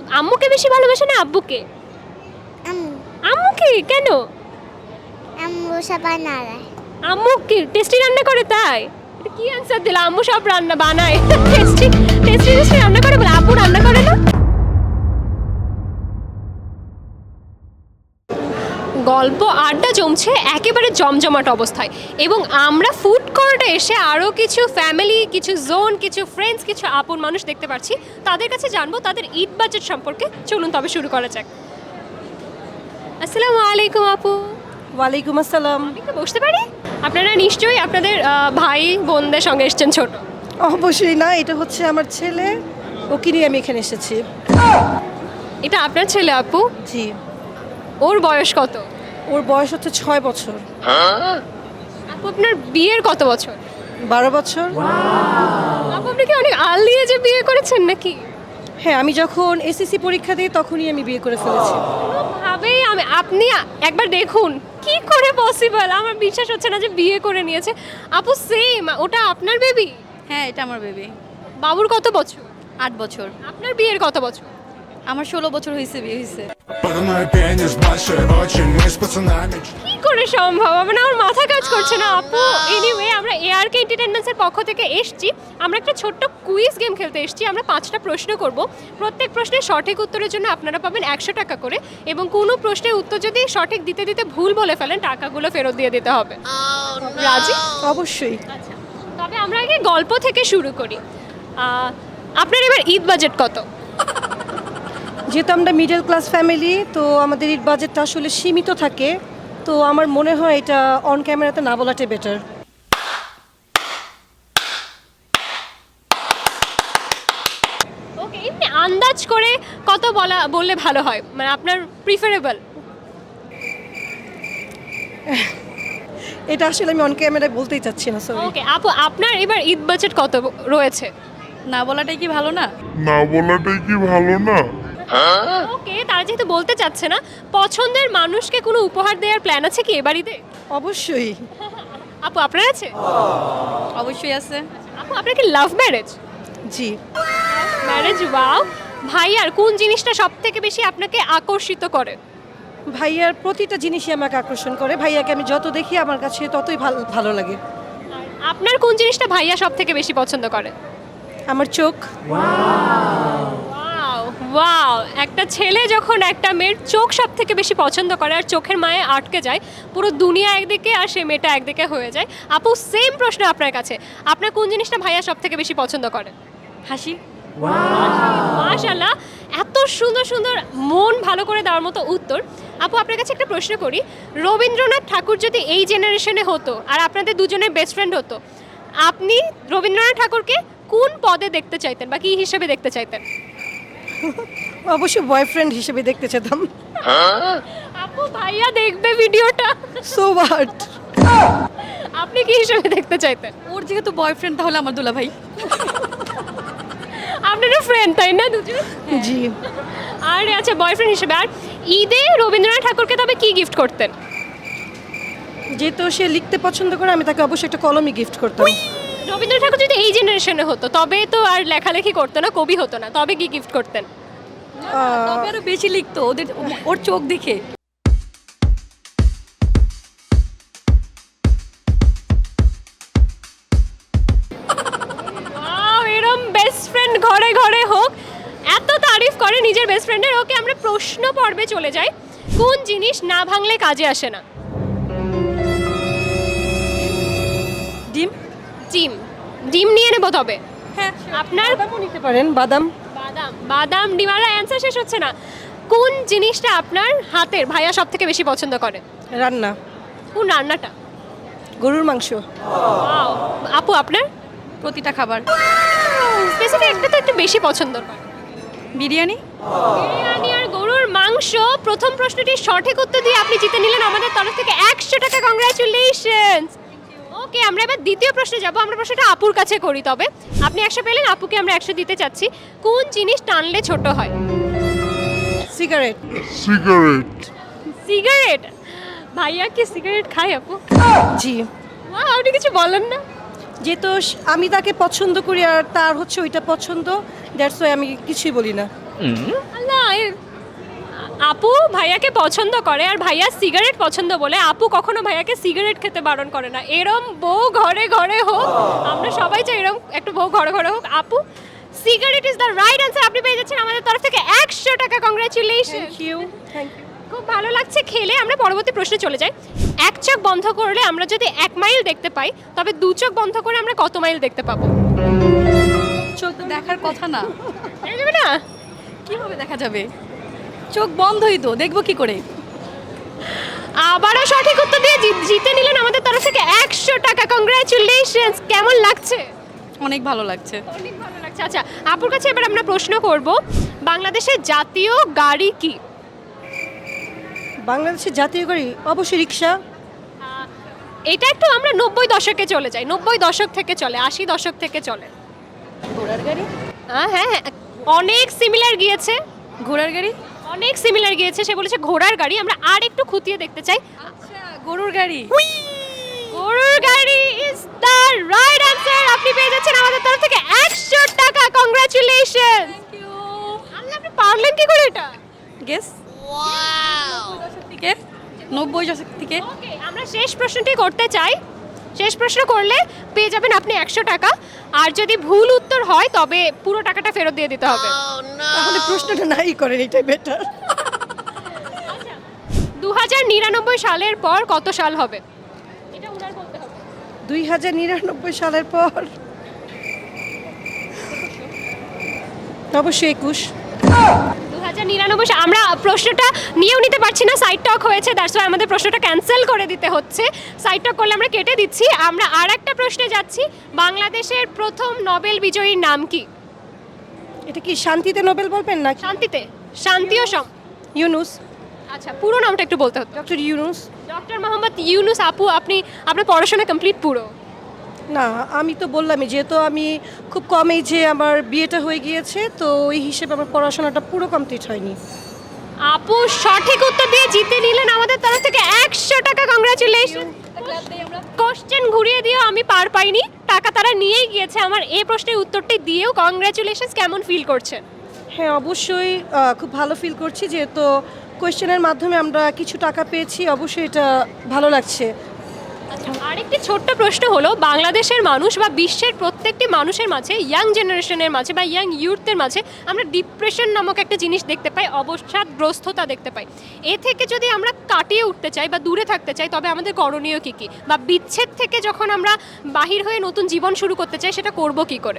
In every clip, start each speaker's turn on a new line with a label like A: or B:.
A: আম্মুকে বেশি ভালোবাসে না আব্বুকে?
B: আম্মু
A: আম্মুকে কেন?
B: আম্মু সব বানায়।
A: আম্মু কি টেস্টি রান্না করে তাই? এটা কি অ্যানসার দিলা? আম্মু সব রান্না বানায়। টেস্টি টেস্টি টেস্টি রান্না করে বলে আব্বু রান্না করে না? গল্প আড্ডা জমছে একেবারে জমজমাট অবস্থায় এবং আমরা ফুড কোর্টে এসে আরও কিছু ফ্যামিলি, কিছু জোন, কিছু ফ্রেন্ডস, কিছু আপন মানুষ দেখতে পাচ্ছি। তাদের কাছে জানবো তাদের ঈদ বাজেট সম্পর্কে। চলুন তবে শুরু করা যাক। আসসালামু আলাইকুম আপু।
C: ওয়ালাইকুম আসসালাম।
A: আমি কি বসতে পারি? আপনারা নিশ্চয়ই আপনাদের ভাই বোনদের সঙ্গে এসেছেন ছোট।
C: অবশ্যই না, এটা হচ্ছে আমার ছেলে, ওকে নিয়ে আমি এখানে এসেছি।
A: এটা আপনার ছেলে আপু?
C: জি।
A: ওর বয়স কত?
C: ওর বয়স হচ্ছে 6 বছর।
A: আপু আপনার বিয়ের কত বছর?
C: 12 বছর।
A: আপু আপনি কি অনেক আর্লি এজে বিয়ে করেছেন নাকি?
C: হ্যাঁ, আমি যখন এসএসসি পরীক্ষা দিই তখনই আমি বিয়ে করে ফেলেছি।
A: কোনোভাবেই আপনি একবার দেখুন কি করে পসিবল, আমার বিশ্বাস হচ্ছে না যে বিয়ে করে নিয়েছে। আপু সেম, ওটা আপনার বেবি?
D: হ্যাঁ, এটা আমার বেবি।
A: বাবুর কত বছর?
D: 8 বছর।
A: আপনার বিয়ের কত বছর?
D: আমার 16 বছর হয়েছে, বিয়ে হয়েছে।
E: Парной пенис большой, очень мы с пацанами.
A: কি করে সম্ভব? মানে আমার মাথা কাজ করছে না আপু। এনিওয়ে, আমরা এআরকে এন্টারটেইনমেন্টসের পক্ষ থেকে এসেছি। আমরা একটা ছোট্ট কুইজ গেম খেলতে এসেছি। আমরা 5টা প্রশ্ন করব। প্রত্যেক প্রশ্নের সঠিক উত্তরের জন্য আপনারা পাবেন 100 টাকা করে এবং কোনো প্রশ্নের উত্তর যদি সঠিক দিতে দিতে ভুল বলে ফেলেন টাকাগুলো ফেরত দিয়ে দিতে হবে। রাজি?
C: অবশ্যই।
A: আচ্ছা, তবে আমরা আগে গল্প থেকে শুরু করি। আপনার এবার ঈদ বাজেট কত?
C: যেহেতু আমরা মিডল ক্লাস ফ্যামিলি, তো আমাদের ঈদ বাজেটটা আসলে সীমিত থাকে, তো আমার মনে হয় এটা অন ক্যামেরাতে না বলাটাই বেটার।
A: ওকে, এমনি আন্দাজ করে কত বললে ভালো হয়, মানে আপনার প্রিফারেবল?
C: এটা আসলে আমি অন ক্যামেরায় বলতেই চাচ্ছি না, সরি।
A: ওকে আপু, আপনার এবার ঈদ বাজেট কত রয়েছে?
D: না বলাটাই কি ভালো না?
E: না বলাটাই কি ভালো না?
A: ওকে, তারা যেহেতু বলতে চাচ্ছে না, পছন্দের মানুষকে কোনো উপহার দেওয়ার প্ল্যান আছে কি এবার ঈদে?
C: অবশ্যই।
A: আপু আপনার আছে?
D: অবশ্যই আছে।
A: আপু আপনার কি লাভ ম্যারেজ?
C: জি।
A: Marriage, wow. ভাইয়ার কোন জিনিসটা সব থেকে বেশি আপনাকে আকর্ষিত করে?
C: ভাইয়ার প্রতিটা জিনিসই আমাকে আকর্ষণ করে। ভাইয়াকে আমি যত দেখি আমার কাছে ততই ভালো লাগে।
A: আপনার কোন জিনিসটা ভাইয়া সব থেকে বেশি পছন্দ করে?
C: আমার চোখ।
A: ওয়াও ওয়াও, একটা ছেলে যখন একটা মেয়ের চোখ সব থেকে বেশি পছন্দ করে আর চোখের মায়ে আটকে যায়, পুরো দুনিয়া একদিকে আর সে মেয়েটা একদিকে হয়ে যায়। আপু সেম প্রশ্ন আপনার কাছে, আপনার কোন জিনিসটা ভাইয়া সব থেকে বেশি পছন্দ করে?
D: হাসি।
A: মাশাআল্লাহ, এত সুন্দর সুন্দর মন ভালো করে দেওয়ার মতো উত্তর। আপু আপনার কাছে একটা প্রশ্ন করি, রবীন্দ্রনাথ ঠাকুর যদি এই জেনারেশনে হতো আর আপনাদের দুজনের বেস্ট ফ্রেন্ড হতো, আপনি রবীন্দ্রনাথ ঠাকুরকে কোন পদে দেখতে চাইতেন বা কী হিসেবে দেখতে চাইতেন?
C: অবশ্যই বয়ফ্রেন্ড হিসেবে দেখতে চেতাম।
A: আপু ভাইয়া দেখবে ভিডিওটা,
C: সো হোয়াট।
A: আপনি কি হিসেবে দেখতে চাইতেন?
D: ওর যেহেতু বয়ফ্রেন্ড, তাহলে আমার দুলা ভাই।
A: আপনারা ফ্রেন্ড তাই না দুজন?
C: জি।
A: আরে আচ্ছা, বয়ফ্রেন্ড হিসেবে। আর ঈদে রবীন্দ্রনাথ ঠাকুরকে তবে কি গিফট করতেন?
C: যেহেতু সে লিখতে পছন্দ করে, আমি তাকে অবশ্যই একটা কলমই গিফট করতাম।
A: রবীন্দ্রনাথ ঠাকুর যদি এই জেনারেশনে হতো তবে তো আর লেখালেখি করতো না, কবি হতো না, তবে কি গিফট করতেন?
D: তবে আরো বেশি লিখতো, ওর চোখ দেখে।
A: ওয়াও, এরম বেস্ট ফ্রেন্ড ঘরে ঘরে হোক। এত তারিফ করে নিজের বেস্ট ফ্রেন্ডের। ওকে, আমরা প্রশ্ন পর্বে চলে যাই। কোন জিনিস না ভাঙলে কাজে আসে না?
D: ডিম।
A: ডিম। ডিম নিয়ে নেবো তবে।
D: হ্যাঁ।
A: আপনার?
C: বাদামও নিতে পারেন, বাদাম।
A: বাদাম। বাদাম, ডিম। আর অ্যান্সার শেষ হচ্ছে না। কোন জিনিসটা আপনার হাতের ভাইয়া সব থেকে বেশি পছন্দ করে?
C: রান্না।
A: কোন রান্নাটা?
C: গরুর মাংস।
A: ওয়াও। আপু আপনার?
D: প্রতিটা খাবার।
A: স্পেসিফিক একটা তো একটু বেশি পছন্দ করে।
D: বিরিয়ানি।
A: বিরিয়ানি আর গরুর মাংস। প্রথম প্রশ্নটির সঠিক উত্তর দিয়ে আপনি জিতে নিলেন আমাদের তরফ থেকে 100 টাকা। কংগ্রাচুলেশনস। ওকে, আমরা এবার দ্বিতীয় প্রশ্নে যাব। আমরা প্রশ্নটা আপুর কাছে করি তবে। আপনি 100 পেলেন, আপুকে আমরা 100 দিতে চাচ্ছি। কোন জিনিস টানলে ছোট হয়?
C: সিগারেট।
E: সিগারেট।
A: সিগারেট। ভাইয়া কি সিগারেট খায় আপু?
C: জি।
A: ওয়াও, আপনি কিছু বলেন না?
C: যেহেতু আমি তাকে পছন্দ করি আর তার হচ্ছে ওইটা পছন্দ, দ্যাটস ওয়াই আমি কিছুই বলি না।
A: আল্লাহ, আপু ভাইয়াকে পছন্দ করে আর ভাইয়া সিগারেট পছন্দ বলে আপু কখনো ভাইয়াকে সিগারেট খেতে বারণ করে না। এরম বউ ঘরে ঘরে হোক, আমরা সবাই চাই এরম একটা বউ ঘরে ঘরে হোক। আপু cigarette is the right answer, আপনি পেয়ে যাচ্ছেন আমাদের তরফ থেকে 100 টাকা। Congratulation,
C: thank you.
A: খুব ভালো লাগছে খেলে। আমরা পরবর্তী প্রশ্নে চলে যাই। এক চোখ বন্ধ করলে আমরা যদি 1 মাইল দেখতে পাই, তবে 2 চোখ বন্ধ করে আমরা কত মাইল দেখতে পাবো?
D: চোখ তো দেখার কথা না,
A: দেখা যাবে না?
D: কিভাবে দেখা যাবে? চোখ বন্ধই তো, দেখবো কি করে?
A: আবারও সঠিক উত্তর দিয়ে জিতে নিলেন আমাদের তরফ থেকে 100 টাকা। কংগ্রাচুলেশনস। কেমন লাগছে?
D: অনেক ভালো লাগছে।
A: অনেক ভালো লাগছে। আচ্ছা, আপুর কাছে এবার আমরা প্রশ্ন করব, বাংলাদেশের জাতীয় গাড়ি কি?
C: বাংলাদেশের জাতীয় গাড়ি অবশ্যই রিক্সা।
A: এটা একটু আমরা 90 দশকে চলে যাই। 90 দশক থেকে চলে, 80 দশক থেকে চলে।
D: ঘোড়ার গাড়ি?
A: হ্যাঁ হ্যাঁ, অনেক সিমিলার গিয়েছে,
D: ঘোড়ার গাড়ি?
A: অনেক সিমিলার গিয়েছে। সে বলেছে ঘোড়ার গাড়ি। আমরা আর একটু খুঁটিয়ে দেখতে চাই।
D: আচ্ছা, গরুর গাড়ি।
A: গরুর গাড়ি ইজ দ্য রাইট অ্যান্সার। আপনি পেয়ে যাচ্ছেন আমাদের তরফ থেকে 100 টাকা। কংগ্রাচুলেশন। আল্লাহ, আপনি পারলেন কি করে এটা?
D: গেস। ওয়াও, 90 দশক থেকে।
A: ওকে, আমরা শেষ প্রশ্নটি করতে চাই। শেষ প্রশ্ন করলে পেয়ে যাবেন আপনি 100 টাকা। আর যদি ভুল উত্তর হয় তবে পুরো টাকাটা ফেরত দিয়ে দিতে হবে।
C: তাহলে প্রশ্নটা নাই করেন, এটাই বেটার।
A: 2099 সালের পর কত সাল হবে? এটা উনার বলতে হবে।
C: 2099 সালের পর অবশ্যই 21।
A: 2099 আমরা প্রশ্নটা নিয়েও নিতে পারছি না, সাইড টক হয়েছে, দ্যাটস ওয়াই আমাদের প্রশ্নটা ক্যান্সেল করে দিতে হচ্ছে। সাইড টক করলে আমরা কেটে দিচ্ছি। আমরা আর একটা প্রশ্নে যাচ্ছি। বাংলাদেশের প্রথম নোবেল বিজয়ীর নাম কি?
C: এটা কি শান্তিতে নোবেল বলবেন না?
A: শান্তিতে, শান্তি ও
C: ইউনুস,
A: আচ্ছা, পুরো নামটা একটু বলতে হতো।
C: ডক্টর ইউনুস।
A: ডক্টর মোহাম্মদ ইউনুস। আপু আপনার পড়াশোনা কমপ্লিট পুরো?
C: না, আমি তো বললামই, যেহেতু আমি খুব কম এজে আমার বিয়েটা হয়ে গিয়েছে, তো ওই হিসেবে আমার পড়াশোনাটা পুরো কমপ্লিট হয়নি।
A: আপু সঠিক উত্তর দিয়ে জিতে নিলেন আমাদের তরফ থেকে 100 টাকা। কংগ্রাচুলেশন। কোশ্চেন ঘুরিয়ে দিয়েও আমি পার পাইনি, টাকা তারা নিয়েই গিয়েছে। আমার এই প্রশ্নের উত্তরটি দিয়েও কংগ্রাচুলেশনস। কেমন ফিল করছেন?
C: হ্যাঁ, অবশ্যই খুব ভালো ফিল করছি, যেহেতু কোয়েশ্চেনের মাধ্যমে আমরা কিছু টাকা পেয়েছি। অবশ্যই এটা ভালো লাগছে।
A: আরেকটি ছোট্ট প্রশ্ন হলো, বাংলাদেশের মানুষ বা বিশ্বের প্রত্যেকটি মানুষের মাঝে, ইয়াং জেনারেশনের মাঝে বা ইয়াং ইউথদের মাঝে আমরা ডিপ্রেশন নামক একটা জিনিস দেখতে পাই, অবসাদগ্রস্ততা দেখতে পাই। এ থেকে যদি আমরা কাটিয়ে উঠতে চাই বা দূরে থাকতে চাই, তবে আমাদের করণীয় কী কী? বা বিচ্ছেদ থেকে যখন আমরা বাহির হয়ে নতুন জীবন শুরু করতে চাই, সেটা করব কি করে?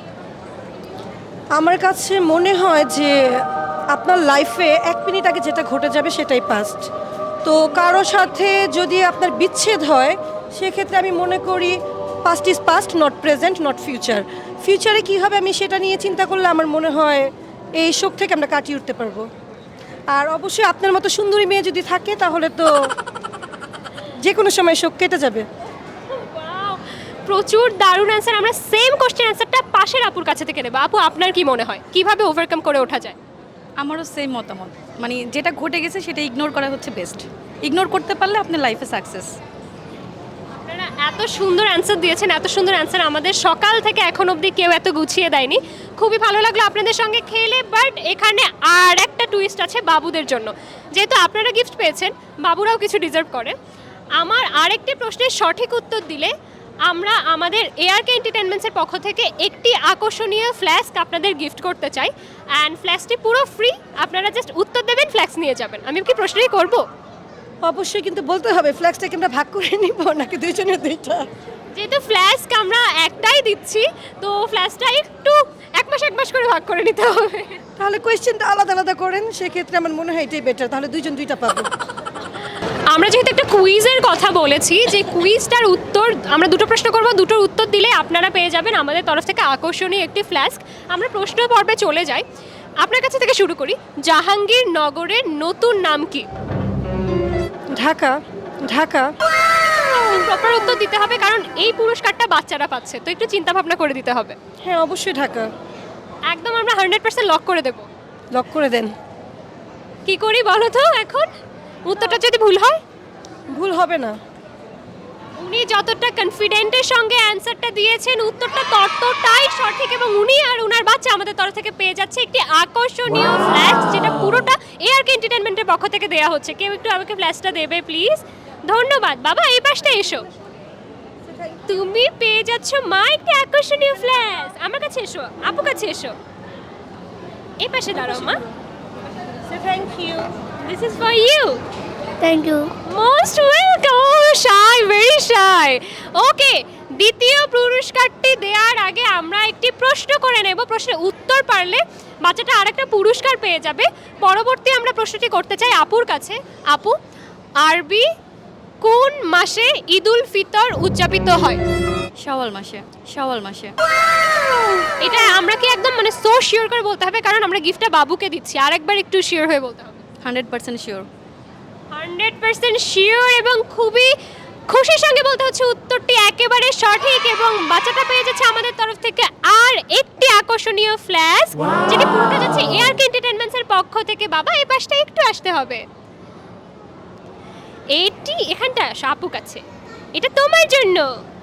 C: আমার কাছে মনে হয় যে আপনার লাইফে 1 মিনিট আগে যেটা ঘটে যাবে সেটাই পাস্ট। তো কারো সাথে যদি আপনার বিচ্ছেদ হয়, সেক্ষেত্রে আমি মনে করি past is past, not present, not future. ফিউচারে কী হবে আমি সেটা নিয়ে চিন্তা করলে আমার মনে হয় এই শোক থেকে আমরা কাটিয়ে উঠতে পারবো। আর অবশ্যই আপনার মতো সুন্দরী মেয়ে যদি থাকে, তাহলে তো যে কোনো সময় শোক কেটে যাবে।
A: Wow, প্রচুর দারুণ অ্যান্সার। আমরা সেম কোশ্চেন অ্যান্সারটা পাশের আপুর কাছে থেকে নেব। আপু, আপনার কি মনে হয় কিভাবে ওভারকাম করে ওঠা যায়?
D: আমারও সেম মতামত, মানে যেটা ঘটে গেছে সেটা ইগনোর করা হচ্ছে বেস্ট। ইগনোর করতে পারলে আপনার লাইফে সাকসেস।
A: আপনারা এত সুন্দর অ্যান্সার দিয়েছেন, এত সুন্দর অ্যান্সার আমাদের সকাল থেকে এখন অবধি কেউ এত গুছিয়ে দেয়নি। খুবই ভালো লাগলো আপনাদের সঙ্গে খেলে। বাট এখানে আর একটা টুইস্ট আছে বাবুদের জন্য। যেহেতু আপনারা গিফট পেয়েছেন, বাবুরাও কিছু ডিজার্ভ করে। আমার আরেকটি প্রশ্নের সঠিক উত্তর দিলে আমরা আমাদের এআরকে এন্টারটেইনমেন্টসের পক্ষ থেকে একটি আকর্ষণীয় ফ্ল্যাস্ক আপনাদের গিফট করতে চাই। অ্যান্ড ফ্ল্যাস্কটি পুরো ফ্রি, আপনারা জাস্ট উত্তর দেবেন, ফ্ল্যাক্স নিয়ে যাবেন। আমি কি প্রশ্নই করব?
C: অবশ্যই, কিন্তু বলতে হবে ফ্ল্যাক্সটাকে আমরা ভাগ করে নিব নাকি দুইজনের দুইটা?
A: যেহেতু ফ্ল্যাস্ক আমরা একটাই দিচ্ছি, তো ফ্ল্যাশটা একটু এক মাস করে ভাগ করে নিতে হবে।
C: তাহলে কোয়েশ্চেনটা আলাদা আলাদা করেন, সেক্ষেত্রে আমার মনে হয় এটাই বেটার, তাহলে দুইজন দুইটা পাবো।
A: আমরা যেহেতু একটা কুইজের কথা বলেছি, যে কুইজটার উত্তর আমরা দুটো প্রশ্ন করব, দুটোর উত্তর দিলে আপনারা পেয়ে যাবেন আমাদের তরফ থেকে আকর্ষণীয় একটি ফ্ল্যাস্ক। আমরা প্রশ্ন পর্বে চলে যাই। আপনার কাছে থেকে শুরু করি। জাহাঙ্গীরনগরের নতুন নাম কি?
C: ঢাকা। ঢাকা।
A: প্রপার উত্তর দিতে হবে, কারণ এই পুরস্কারটা বাচ্চারা পাচ্ছে, তো একটু চিন্তা ভাবনা করে দিতে হবে।
C: হ্যাঁ, অবশ্যই ঢাকা।
A: একদম আমরা 100% লক করে দেব।
C: লক করে দেন।
A: কি করি বলো তো এখন? উত্তরটা যদি ভুল হয়?
C: ভুল হবে না।
A: উনি যতটা কনফিডেন্টের সঙ্গে অ্যানসারটা দিয়েছেন, উত্তরটা ততটাই সঠিক, এবং উনি আর উনার বাচ্চা আমাদের তরফ থেকে পেয়ে যাচ্ছে একটি আকর্ষণীয় ফ্ল্যাক্স, যেটা পুরোটা এআরকে এন্টারটেনমেন্টের পক্ষ থেকে দেওয়া হচ্ছে। কেউ একটু আমাকে ফ্ল্যাশটা দেবে প্লিজ। ধন্যবাদ বাবা, এই পাশটা এসো। তুমি পেয়ে যাচ্ছ মা একটি আকর্ষণীয় ফ্ল্যাশ। আমার কাছে এসো, আপু কাছে এসো, এই পাশে দাঁড়াও মা।
C: Thank you.
A: This is for you.
B: Thank you.
A: Most welcome. Shy, very shy. Okay, দ্বিতীয় পুরস্কারটি দেওয়ার আগে আমরা একটি প্রশ্ন করে নেব। প্রশ্নের উত্তর পারলে বাচ্চাটা আরেকটা পুরস্কার পেয়ে যাবে। পরবর্তী আমরা প্রশ্নটি করতে চাই আপুর কাছে। আপু, আরবি কোন মাসে ঈদুল ফিতর উদযাপিত হয়?
D: শাওয়াল মাসে, শাওয়াল মাসে।
A: এটা আমরা কি একদম মানে সো শিওর করে বলতে হবে, কারণ আমরা গিফটটা বাবুকে দিচ্ছি, আরেকবার একটু শিওর হয়ে বলতে হবে।
D: 100% শিওর।
A: 100% শিওর এবং খুবই খুশির সঙ্গে বলতে হচ্ছে উত্তরটি একেবারে সঠিক, এবং বাচ্চাটা পেয়ে যাচ্ছে আমাদের তরফ থেকে আর একটি আকর্ষণীয় ফ্ল্যাশ, যেটি পুরোটা যাচ্ছে এআরকে এন্টারটেইনমেন্টসের পক্ষ থেকে। বাবা, এই পাশটা একটু আসতে হবে। এটি এখানটা আসো আপু কাছে, এটা তোমার জন্য।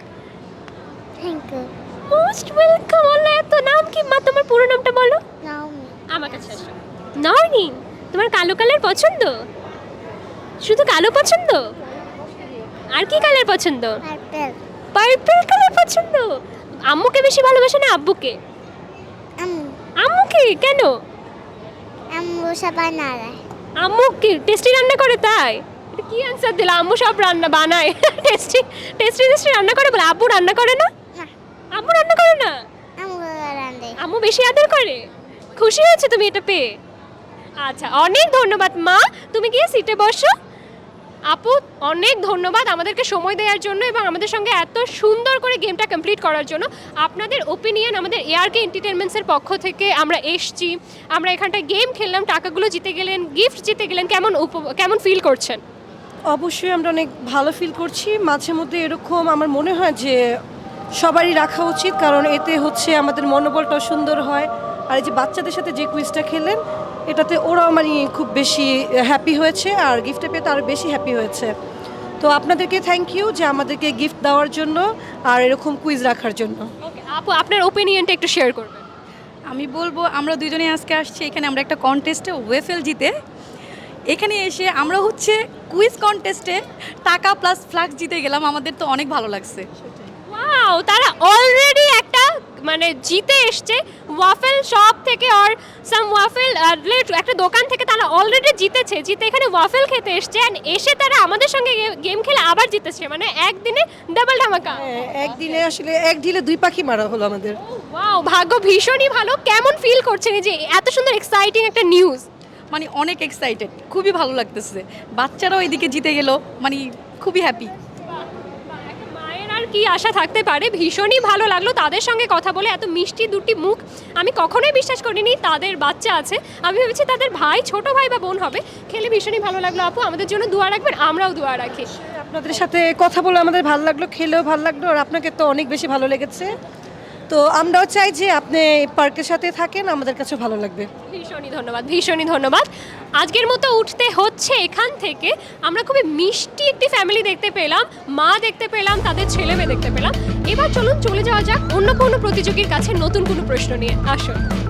B: Thank you.
A: Most welcome. আল্লাহ, এত নাম কি মা? তোমার পুরো নামটা বলো।
B: নাওমি।
A: আমার কাছে আসো। নর্নিং, তোমার কালো কালার পছন্দ? শুধু কালো পছন্দ? আর কি কালার পছন্দ?
B: পার্পল।
A: পার্পল কালার পছন্দ। আম্মুকে বেশি ভালোবাসে না আব্বুকে?
B: আম্মু।
A: আম্মুকে কেন?
B: আম্মু সব বানায়।
A: আম্মু কি টেস্টি রান্না করে তাই? এটা কি অ্যান্সার দিলা? আম্মু সব রান্না বানায়। টেস্টি টেস্টি টেস্টি রান্না করে বলে, আব্বু রান্না করে না?
B: না,
A: আম্মু রান্না করে না?
B: আম্মু রান্ধে।
A: আম্মু বেশি আদর করে। খুশি হয়েছে তুমি এটা পেয়ে? আচ্ছা, অনেক ধন্যবাদ মা। তুমি গিয়ে সিটে বসো। আপু, অনেক ধন্যবাদ আমাদেরকে সময় দেওয়ার জন্য এবং আমাদের সঙ্গে এত সুন্দর করে গেমটা কমপ্লিট করার জন্য। আপনাদের ওপিনিয়ন, আমাদের এআরকে এন্টারটেইনমেন্টসের পক্ষ থেকে আমরা এসছি, আমরা এখানটায় গেম খেললাম, টাকাগুলো জিতে গেলেন, গিফট জিতে গেলেন, কেমন ফিল করছেন?
C: অবশ্যই আমরা অনেক ভালো ফিল করছি। মাঝে মধ্যে এরকম আমার মনে হয় যে সবারই রাখা উচিত, কারণ এতে হচ্ছে আমাদের মনোবলটাও সুন্দর হয়। আর এই যে বাচ্চাদের সাথে যে কুইজটা খেললেন, এটাতে ওরাও মানে খুব বেশি হ্যাপি হয়েছে, আর গিফটে পেয়ে তো আরও বেশি হ্যাপি হয়েছে। তো আপনাদেরকে থ্যাংক ইউ যে আমাদেরকে গিফট দেওয়ার জন্য আর এরকম কুইজ রাখার জন্য।
A: ওকে আপু, আপনার ওপিনিয়নটা একটু শেয়ার করবেন।
D: আমি বলবো আমরা দুজনে আজকে আসছি এখানে, আমরা একটা কন্টেস্টে ওয়েফেল জিতে এখানে এসে আমরা হচ্ছে কুইজ কন্টেস্টে টাকা প্লাস ফ্লাক্স জিতে গেলাম। আমাদের তো অনেক ভালো লাগছে।
A: ওয়াও, তারা অলরেডি একটা মানে জিতে এসছে ওয়াফেল শপ থেকে, আর সাম ওয়াফেল একটা দোকান থেকে তারা অলরেডি জিতেছে। জিতে এখানে ওয়াফেল খেতে এসছে, অ্যান্ড এসে তারা আমাদের সঙ্গে গেম খেলে আবার জিতেছে, মানে একদিনে ডাবল ধামাকা।
C: একদিনে আসলে এক ঢিলে দুই পাখি মারা হলো আমাদের।
A: ওয়াও, ভাগ্য ভীষণই ভালো। কেমন ফিল করছেন এই যে এত সুন্দর এক্সাইটিং একটা নিউজ?
D: মানে অনেক এক্সাইটেড, খুবই ভালো লাগতেছে। বাচ্চারাও এদিকে জিতে গেল, মানে খুবই হ্যাপি।
A: মায়ের আর কি আশা থাকতে পারে। ভীষণই ভালো লাগলো তাদের সঙ্গে কথা বলে। এত মিষ্টি দুটি মুখ আমি কখনোই বিশ্বাস করিনি তাদের বাচ্চা আছে। আমি ভেবেছি তাদের ভাই, ছোট ভাই বা বোন হবে। খেলে ভীষণই ভালো লাগলো আপু। আমাদের জন্য দোয়া রাখবেন, আমরাও দোয়া রাখি।
C: আপনাদের সাথে কথা বলে আমাদের ভালো লাগলো, খেলেও ভালো লাগলো, আর আপনাকে তো অনেক বেশি ভালো লেগেছে। তো আমরাও চাই যে আপনি পার্কের সাথে থাকেন, আমাদের কাছেও ভালো লাগবে।
A: ভীষণই ধন্যবাদ, ভীষণই ধন্যবাদ। আজকের মতো উঠতে হচ্ছে এখান থেকে। আমরা খুবই মিষ্টি একটি ফ্যামিলি দেখতে পেলাম, মা দেখতে পেলাম, তাদের ছেলে মেয়ে দেখতে পেলাম। এবার চলুন চলে যাওয়া যাক অন্য কোনো প্রতিযোগীর কাছে নতুন কোনো প্রশ্ন নিয়ে। আসুন।